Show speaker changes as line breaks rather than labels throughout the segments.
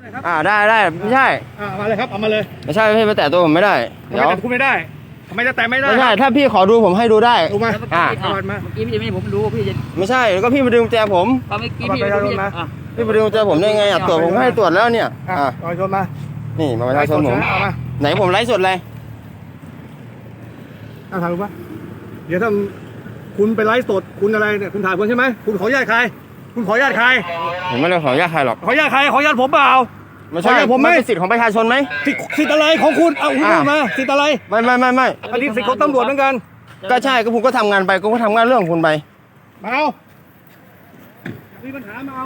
ได้ไม่ใช่
มาเลยครับเอามาเลย
ไม่ใช่พี่ไปแตะตัวผมไม่ได้
เดี๋ยวคุณไม่ได้ทำไมจะแตะไม่ได้
ไม่ใช่ถ้าพี่ขอดูผมให้ดูได้
ดูมา
เมื่อกี้พี่จะไม่ผมดูพี่จะ
ไม่ใช่แล้วก็พี่มาดึงกุญแจผม
เมื่อกี้พี่
มาดึงกุญแจผมได้ไงตรวจผมให้ตรวจแล้วเนี่ย
ประชาชนมา
นี่มาประชาชนผมไหนผมไลฟ์สดเลย
ถ่ายรูปปะเดี๋ยวถ้าคุณไปไลฟ์สดคุณอะไรเนี่ยคุณถ่ายคนใช่ไหมคุณขออนุญาตใครคุณขออนุญาตใคร
ผมไม่ได้ขออนุญาตใครหรอก
ขออนุญาตใครขออนุญาตผมเปล่า
ไม่ใช่ผมไม่เป็นสิทธิ์ของประชาชนไหม
สิทธิ์อะไรของคุณเอาคุณมาสิทธิ์อะไร
ไม่
อันนี้สิทธิ์ของตำรวจเหมือนกัน
ก็ใช่ก็ผมก็ทำงานไปก็ทำงานเรื่องของคุณไป
มาเอามีปัญหามาเอา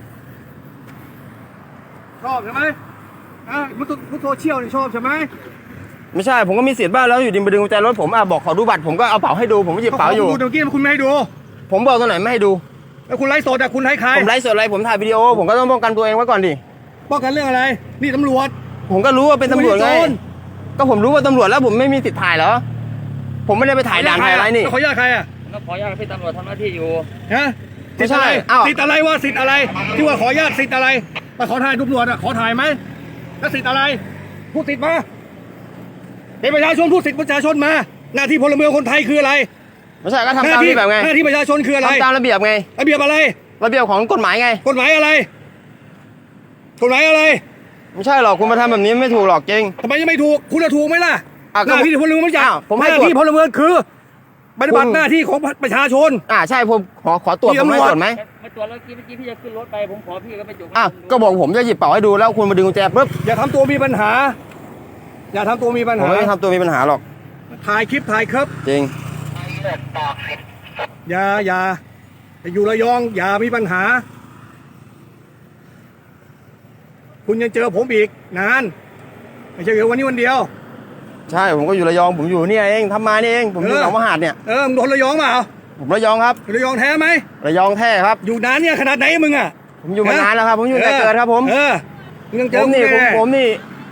ชอบใช่ไหมมุดโซเชียลนี่ชอบใช่ไหม
ไม่ใช่ผมก็มีสิทธิ์บ้างแล้วอยู่ดีมาดึงกุญแจรถผมบอกขอดูบัตรผมก็เอาเป๋าให้ดูผมก็หยิบเป๋าอยู่
เมื่อกี้คุณไม่ให้ดู
ผมบอกตรงไหนไม่ให้ดู
แล้วคุณไลฟ์สดคุณให้ใคร
ผมไลฟ์สดอะไรผมถ่ายวิดีโอผมก็ต้องป้องกันตัวเองไว้ก่อนดิ
ป้องกันเรื่องอะไรนี่ตำรวจ
ผมก็รู้ว่าเป็นตำรวจไงก็ผมรู้ว่าตำรวจแล้วผมไม่มีสิทธิ์ถ่ายเหรอผมไม่ได้ไปถ่ายด่านถ่ายอะไรนี่
ขออนุญาตใคร
ขออนุญาตพี่ตำรวจทำหน้าที่อยู่
ฮะ
ไม่ใช่
สิทธิ์อะไรวะสิทธิ์อะไรที่ว่าขออนุญาตสิทธิ์อะไรมาขอถ่ายตำรวจขอถ่ายไหมแล้วสิทธิ์อะไรพูดสิทธิ์มาเป็นประชาชนพูดสิทธิ์ประชาชนมาหน้าที่พลเมืองคนไทยคืออะไร
ไม่ใช่ก็ทำตามระเบียบไง
หน้าที่ประชาชนคืออะไร
ทำตามระเบียบไง
ระเบียบอะไร
ระเบียบของกฎหมายไง
กฎหมายอะไรกฎหมายอะไร
ไม่ใช่หรอกคุณมาทำแบบนี้ไม่ถูกหรอกจริง
ทำไมยังไม่ถูกคุณจะถูกไหมล่ะหน้าที่พลเมืองไม่ใช่
ผมให้
หน้าที่พลเมืองคือปฏิบัติหน้าที่ของประชาชน
ใช่ผมขอตรวจผมไม่ตรวจไหม
ไม่ตรวจแล้วเมื่อกี้พี่จะขึ้นรถไปผมขอพี่ก็ไม่จุก
ก็บอกผมจะหยิบเป๋าให้ดูแล้วคุณมาดึงกุญแจปุ๊บ
อย่าทำตัวมีปัญหาอย่าทำตัวมีปัญหา
ผมไม่ทำตัวมีปัญหาหรอก
ถ่ายคลิปถ่ายครับ
จริง
อย่าอยู่ระยองอย่ามีปัญหาคุณยังเจอผมอีกนานไม่ใช่แค่วันนี้วันเดียว
ใช่ผมก็อยู่ระยองผมอยู่เนี่ยเองทำมานี่เองผมอยู่หนองมหาดเนี่ย
มึงโดนระยองเปล่า
ผมระยองครับ
ระยองแท้ไหม
ระยองแท้ครับ
อยู่นานเนี่ยขนาดไหนมึง
ผมอยู่มานานแล้วครับผมอยู่แต่เกิดครับผม
ยังเจอ
ผมนี่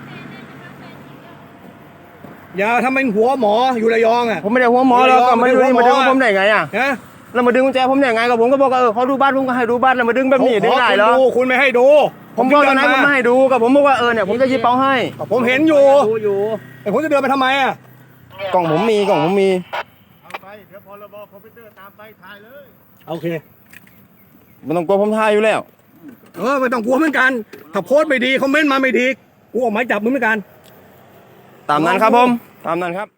อย่าทำเป็นหัวหมออยู่ระยอง
ผมไม่ได้หัวหมอแล้วก็มาดึงผมได้ไงแล้วมาดึงกุญแจผมได้ไงก็ผมก็บอกเขาดูบ้านผมก็ให้ดูบ้านแล้วมาดึงแบบนี้ได้ไงเหรอ
คุณไม่ให้ดู
ผมบอกตอนนั้นผมไม่ให้ดูกับผมบอกว่าเนี่ยผมจะหยิบเป๋าให้
ผมเห็นอยู่แต่ผมจะเดินไปทำไม
กล่องผมมีเอา
ไปเดี๋ยวพรบคอมพิวเตอร์ตามไปถ่ายเลยโอเค
ไม่ต้องกลัวผมถ่ายอยู่แล้ว
ไม่ต้องกลัวเหมือนกันถ้าโพสต์ไม่ดีคอมเมนต์มาไม่ดีกูออกหมายจับมึงเหมือนกัน
ตามนั้นครับผมตามนั้นครับ